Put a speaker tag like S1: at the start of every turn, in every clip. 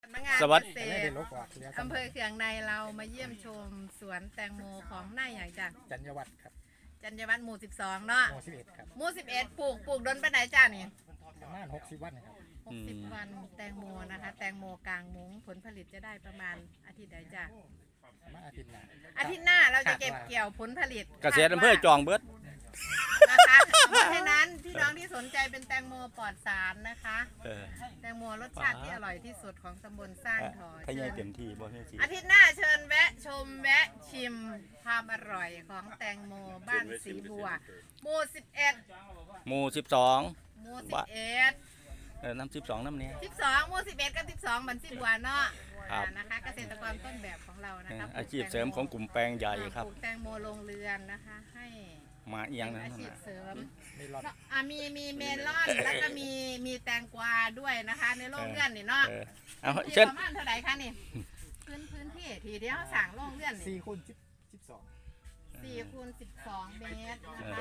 S1: สำนักงาน
S2: สวัส
S1: เก
S2: ดี
S1: ษตรอำเภอเขืองในเรามาเยี่ยมชมสวนแตงโมของนายใหญ่จ้ะ
S2: จัญญวัฒน์ครับ
S1: จัญญวัฒน์หมู่ 12 เนาะ
S2: หมู่11ครับ
S1: หมู่ 11ปลูกดนไปไหนจ้านี่
S2: ประมาณ60 วันครับ
S1: 60 วันแตงโมนะคะ แตงโมกลางมุ้งผลผลิตจะได้ประมาณอาทิตย์ใดจ้ะ
S2: ประมาณอาทิตย์หน้า
S1: อาทิตย์หน้าเราจะเก็บเกี่ยวผลผลิต
S2: เกษตรอำเภอจองเบิด
S1: นะคะเพราะฉะนั้นพี่น้องที่สนใจเป็นแตงโมปลอดสารนะคะ แตงโมรสชาติที่อร่อยที่สุดของตำบลสร้างทอ
S2: พยายเต็มที่บ่ให้สิ
S1: อาทิตย์หน้าเชิญแวะชมแวะชิมความอร่อยของแตงโมบ้านสีบัวหมู่ 11
S2: หมู่
S1: หมู่ 11
S2: น้ำ12น้ำเนี้ย
S1: 12หมู่ 11 กับ 12บันสีบัวเนาะ
S2: ครับ
S1: นะคะเกษตรกรต้นแบบของเรานะคะ
S2: อาชีพเสริมของกลุ่มแปลงใหญ่ครับ
S1: ปลูกแตงโมลงเรือนนะคะให้
S2: มาเอียง
S1: เป็น
S2: นะ
S1: อาชีพเสริม
S2: ไม่รอด
S1: มีเมลอนแล้วก็มีแตงกวาด้วยนะคะ ในโรงเรือนนี่เนาะ
S2: เอา
S1: ที่
S2: เช่น
S1: ประมาณเท่าไหร่คะนี่พื้นที่ทีเดียวสั่งโรงเรือนนี่
S2: 4คูณ12
S1: 4คูณ12 เมตรนะคะ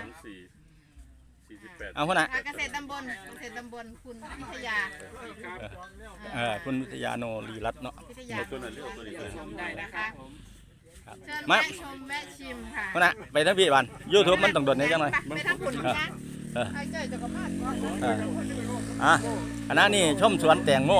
S3: 48
S2: เอาคนน่ะ
S1: เกษตรตำบลคุณพิทยา
S2: คุณวิทยาโนรีรัตน์เนาะ
S1: พิทยาชมได้นะคะ
S2: ครับ
S1: เชิญ
S2: มา
S1: แวะชมแวะชิมค่ะ
S2: คนน่ะไปทั้งพี่วัน YouTube มันต้องโดดนี้จังหน่อย
S1: ไปทั้งคุณนะ
S2: เออ
S1: ไอ้เจ้ยจะกระมาด
S2: คณะนี้ชมสวนแตงโม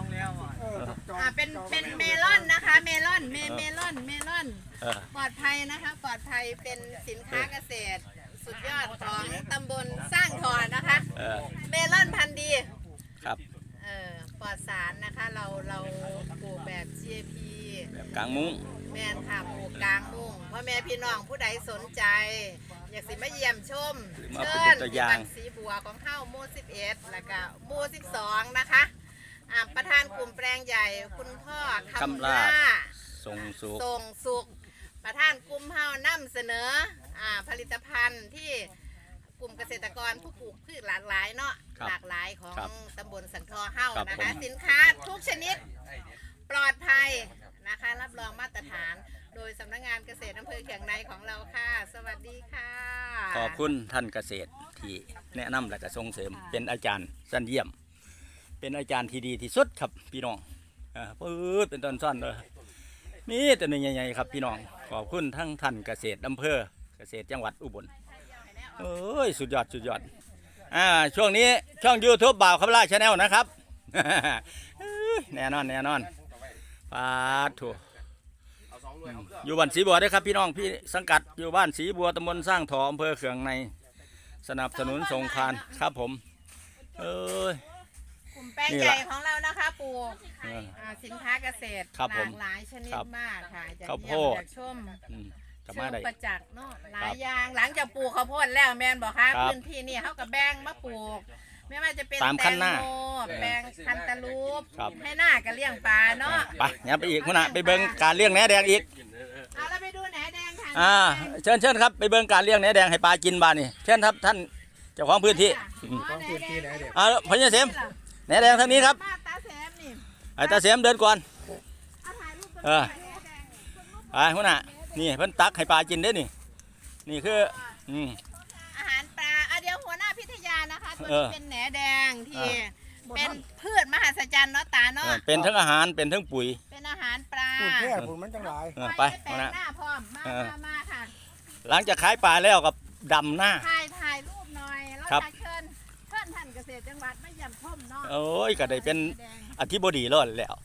S1: เป็นเมลอนนะคะเมลอนปลอดภัยนะคะปลอดภัยเป็นสินค้าเกษตรสุดยอดของตำบลสร้างทอนนะคะ เมลอนพันธุ์ดี
S2: ครับ
S1: ปลอดสารนะคะเราปลูกแบบ GAP
S2: แบบกลางมุ้ง
S1: แม่นค่ะปลูกกลางมุ้งพ่อแม่พี่น้องผู้ใดสนใจ อยากสิมาเยี่ยมชม
S2: มา
S1: เชิ
S2: เป็น
S1: ญ
S2: ตัวอ
S1: ที่
S2: ย่าง
S1: บ้านสีบัวของเฮ้าหมู่ 11 แล้วก็หมู่ 12 นะคะประธานกลุ่มแปลงใหญ่คุณพ่อคำล่า
S2: ส่งสุข
S1: ส่งสุขประธานกลุ่มเฮานำเสนอผลิตภัณฑ์ที่กลุ่มเกษตรกรผู้ปลูกพืชหลากหลายเนาะ
S2: ครับ
S1: หลากหลายของ
S2: ครับ
S1: ตำบลสันทอเฮา
S2: ครับ
S1: นะ
S2: ผ
S1: คะ
S2: ม
S1: สินค้าทุกชนิดปลอดภัยนะคะรับรองมาตรฐาน โดยสำนักงานเกษตรอำเภอเขียงในของเราค่ะ สวัสดีค่ะ
S2: ขอบคุณท่านเกษตรที่แนะนำและก็ส่งเสริมเป็นอาจารย์สั้นเยี่ยม เป็นอาจารย์ที่ดีที่สุดครับพี่น้องปื๊ดเป็นต้นซ่อนเลยมีแต่หนึ่งใหญ่ๆครับพี่น้องขอบคุณทั้งท่านเกษตรอำเภอเกษตรจังหวัดอุบลเอ้ยสุดยอดช่วงนี้ช่อง YouTube บ่าวคำล่าชาแนลนะครับ แน่นอนปาดถูอยู่บ้านสีบัวด้วยครับพี่น้องพี่สังกัดอยู่บ้านสีบัวตำบลสร้างถออำเภอเขืองในสนับสนุนส่งคานครับผมเอ้ย
S1: กลุ่มแปลง
S2: นี่
S1: ให
S2: ล่ะ
S1: ญ่ของเรานะคะปลูก
S2: เออ
S1: สินค้าเกษตร
S2: ครับ
S1: ห
S2: ผ
S1: ลาม กหลายชนิด
S2: ครับ
S1: มากค่ะจาก
S2: ข้าวโพ
S1: เยี่ยม
S2: ด
S1: จากชม
S2: กลับ
S1: เชิ
S2: มาง ได้
S1: ประจักษ์เนาะหลา
S2: ครั
S1: ย
S2: บ
S1: อย่างหลังจากปลูกข้าวโพดแล้วแมนบอกค่ะ
S2: ครับ
S1: พื้นที่นี่เขากับแบ่งมาปลูก ไม่ว่าจะเป็น
S2: ตาม
S1: แต
S2: คัน
S1: ง
S2: หน้า
S1: โมแปลงคันตาลูป
S2: ครับ
S1: ให้หน้าก็เลี้ยงปลาเนาะ
S2: ไปเนี่ยไปอีกคุณน่ะไปเบิ่งการเลี้ยงแหนแดงอีก
S1: เอาเราไปดูแหนแดงค่ะ
S2: เชิญครับไปเบิ่งการเลี้ยงแหนแดงให้ปลากินบ้านนี่เชิญครับท่านเจ้าของพื้นที่
S1: ของพื้นที่แหนแดง
S2: พญาเสมแหนแดงทางนี้ครับ
S1: มาตาแสมนี่
S2: ไอ้ตาเสมเดินก่อน
S1: เอาถ่ายรูป
S2: เออ ไปคุณน่ะนี่เพิ่นตักให้ปลากินเด้อนี่คือ
S1: อาหารปลาเดี๋ยวหัวหน้าพิทยานะคะตัว
S2: เอ
S1: นี้
S2: อ
S1: เป็นแหนแดงที่เป็นพืชมหัศจรรย์เนาะตาเนาะ
S2: เป็นทั้งอาหารเป็นทั้งปุ๋ย
S1: เป็นอาหารปลา
S4: พูดแค่พูดมันจังหลาย
S2: ไป
S1: แปลง
S2: นะ
S1: หน้าพร้อมมาค่ะ
S2: หลังจากขายปลาแล้วกับดำหน้า
S1: ถ่ายรูปหน่อยแล้ว
S2: ครับ
S1: จะเชิญท่านเกษตรจังหวัดมาเยี่ยมชมเนาะ
S2: โอ้ยก็ได้เป็น
S1: แดง
S2: อธิบดีรอดแล้ว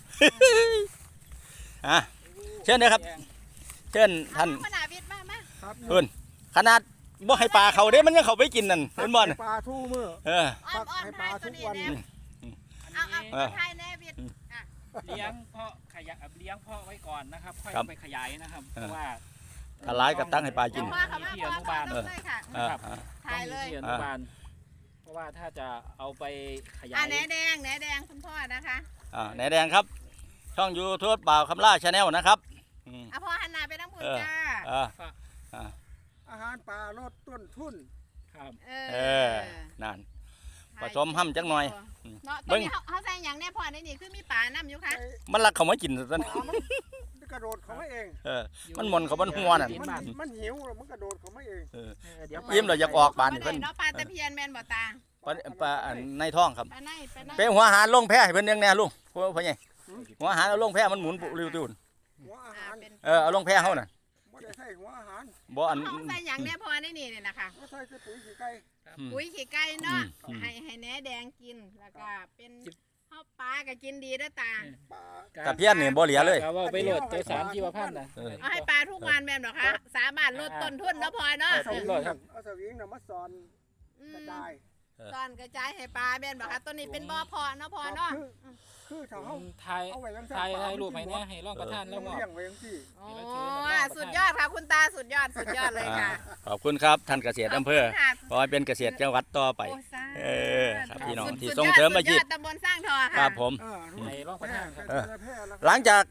S2: เชิญนะครับเชิญท่าน
S1: ขนาดวิทย์มา
S4: ครับ
S2: เพิ่นขนาดบ่ให้ปลาเขาเด้มันยังเขาไปกินนั่นเห็นบ่น่ะ
S4: ปลาทู่มือ
S2: เออ
S1: อ้อม
S4: ให้ปลาทุกวัน
S1: เอาถ่ายแน่วิทย์
S5: เลี้ยงเพาะขยะเลี้ยงเพาะไว้ก่อนนะครับ ค่อย
S2: ครับ
S5: ไปขยายนะครับเพราะว่า
S2: ถ้าร้ายก็ตั้งให้ปลากิน
S1: พ่อเขามาพ่อเขาเลยค่ะ
S5: ครับ
S1: ถ่ายเลย
S5: ต้องมีที่อนุบาลเพราะว่าถ้าจะเอาไปขยาย
S1: แหนแดงคุณพ่อนะคะ
S2: แหนแดงครับ ช่อง YouTube บ่าวคำล่าชาแนลนะครับอืม
S1: พ่อหันหน้าไปทั้งหมดจ้า
S2: เออ
S4: อาหารปลาลดต้นทุน
S5: ครับ
S2: นั่น ผสมห้ำจักหน่อย
S1: เนาะ
S2: เบิ่
S1: ตรง
S2: ง
S1: นี้เขาใส่อย่างแน่พอในนี่คือมีป่าน้ำอยู่ค่ะ
S2: มันรักเขามากินซะ
S4: ปลามันกระโดดเขาไม่เอง
S2: มันหมนเขาบนหัวนั่น
S4: มันหิวแล้วมันกระโดดเขาไม่เอง
S5: เดี๋ยว
S2: ยิ้มเราอยากออกบานนี่
S1: เพิ่
S2: เพิ่น
S1: เนาะปลาตะเพียนแมนบ่ตา
S2: ปลาในท้องครับ
S1: ปลาใน
S2: ไปหัวหาลงแพ้ให้เพิ่นเลี้ยงแน่ลุงพ่อใหญ่หัวอาหารเอาลงแพร่มันหมุนปุริวตุน
S4: หัวอาหาร
S1: เป็น
S2: เอาลงแพร่เฮาน่ะ
S4: ไม่ได้ใส่หัวอาหาร
S2: บ่อัน
S1: เขาใส่อย่างเนี้ยพอได้นี่เนี่ยนะคะ
S4: ไม่ใส่ปุ๋ยขี้ไก่
S1: ปุ๋ยขี้ไก่เนาะ
S2: อืม
S1: ให้แหนแดงกินแล้วก็เป็นข้าวปลาก็กินดีด้วยตา
S4: ปลา
S2: กับเพี้ยนนี่บ่เหลือเลย
S5: ก็ว่าไปโหลดตัวสารชีวพันธุ์นะ
S1: เอาให้ปลาทุกวันแม่นเหรอคะสามารถลดต้นทุนแล้วพอเนาะ
S4: เอาสวิงเอาสวิงน่ะมาสอน
S1: อื
S4: กระ
S1: ม
S4: จาย
S1: ตอนกระจายให้ปลาแม่นบอกคะต้นนี้เป็นบ่อเพาะเนาะพอเนาะ
S4: คือถ้าเฮา
S5: ไทย
S4: เอาไว้ยัง
S5: ไทยรูปให้เนี่ยให้ร่องประทานแล้วก็
S4: เลี้ยงไว้จังซี่
S1: โอ้สุดยอดค่ะคุณตาสุดยอดเลยค่ะ
S2: ขอบคุณครับท่านเกษตรอำเภอ
S1: ขบคุณค่ะ
S2: ขอให้เป็นเกษตรจังหวัดต่อไป
S1: โอ้สาธุ
S2: ครับพี่น้องที่
S1: สุด
S2: ส่ง
S1: ยอด
S2: เสริมอาชีพ
S1: สุดยอดตำบลสร้างทอค่ะ
S2: ครับผม
S5: ให้ร่องประทานครับ
S4: แพร่แล้ว
S2: หลังจาก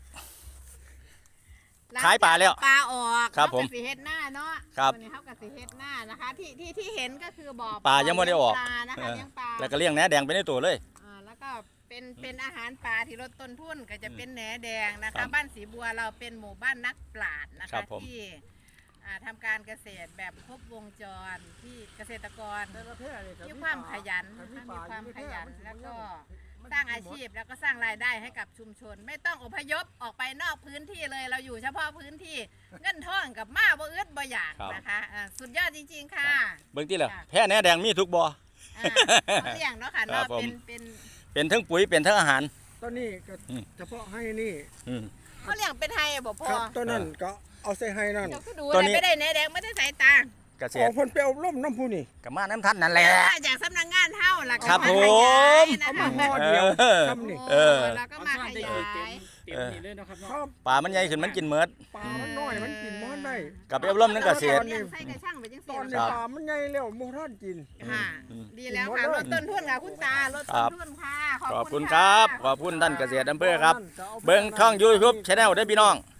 S2: ขายปลาแล้ว
S1: ปลาออก
S2: ครับผม
S1: เขาก็สิเฮ็ดหน้าเนาะ
S2: ครับ
S1: วันนี้เขากับสิเฮ็ดหน้านะคะที่เห็นก็คือบ่อ
S2: ปลายังไม่ได้ออก
S1: ปลานะคะเลี้ยงปลา
S2: แล้วก็เลี้ยงแหนแดงไปในตัวเลย
S1: แล้วก็เป็นอาหารปลาที่ลดต้นทุนก็จะเป็นแหนแดงนะ
S2: ครั
S1: คะ
S2: บ
S1: บ้านสีบัวเราเป็นหมู่บ้านนักปราชญ์นะ
S2: ครั
S1: คะ
S2: บผม
S1: ที่ทำการเกษตรแบบครบวงจรที่เกษตรกรมีความขยันนะคะมีความขยันแล้วก็สร้างอาชีพแล้วก็สร้างรายได้ให้กับชุมชน ไม่ต้องอพยพออกไปนอกพื้นที่เลยเราอยู่เฉพาะพื้นที่เงินทองกับมาบ่อึดบ่อยากนะคะสุดยอดจริงๆค่ะ
S2: เบิ่งที่ละแพร่แหนแดงมีทุกบ่อ
S1: เขาเลี้ยงเนาะค่ะ
S2: ครั
S1: เนาะ
S2: บผม
S1: เป็น
S2: เป็นทั้งปุ๋ยเป็นทั้งอาหาร
S4: ต้นนี้ก็เฉพาะให้นี่
S2: อืม
S1: เขาเลี้ยงเป็นไทยบ่พอ
S4: ครับต้นนั้นก็เอาใส่ให้นั่น
S1: เจ้าก็ดู
S2: ตัวนี้
S1: ไม่ได้แหนแดงไม่ได้สายตา
S2: เกษ
S4: ขอ
S2: ต
S4: ง
S2: ร
S4: เพิ่นไปอบรมน้ำผู้นี่
S2: กับมาน้ำท่านนั่นแหละ
S1: จากสำนักงานเท่าล่ะ
S2: ครับ
S1: ก็าขยาย
S2: ผม
S1: นะ
S4: เอา
S1: คะ
S4: มาห่อเดียว
S2: เออ
S4: ทำนี่
S2: เออ
S1: แล้วก็มาขยาย
S5: เต็มนี่เลยนะครับ
S4: ครั
S5: เนาะ
S4: บ
S2: ปลามันใหญ่ขึ้นมันกินเมิด
S4: ปลามันน้อยมันกินมันได้
S2: กับไปอบรมนั่นเกษตร
S1: เลี้ยงไส้กระช่างไปจัง
S4: ต
S1: ซี่
S4: อนนี้
S2: ครับ
S4: ปลามันใหญ่แล้วหมูท่านกิน
S1: ค่ะ ดีแล้วค่ะลดต้นทุนค่ะคุณตาลด
S2: ครั
S1: ต้
S2: บ
S1: นทุนค่ะ
S2: ขอบคุณครับ ขอบคุณท่านเกษตรอำเภอครับ เบิ่งช่อง YouTube Channel ด้วยพี่น้อง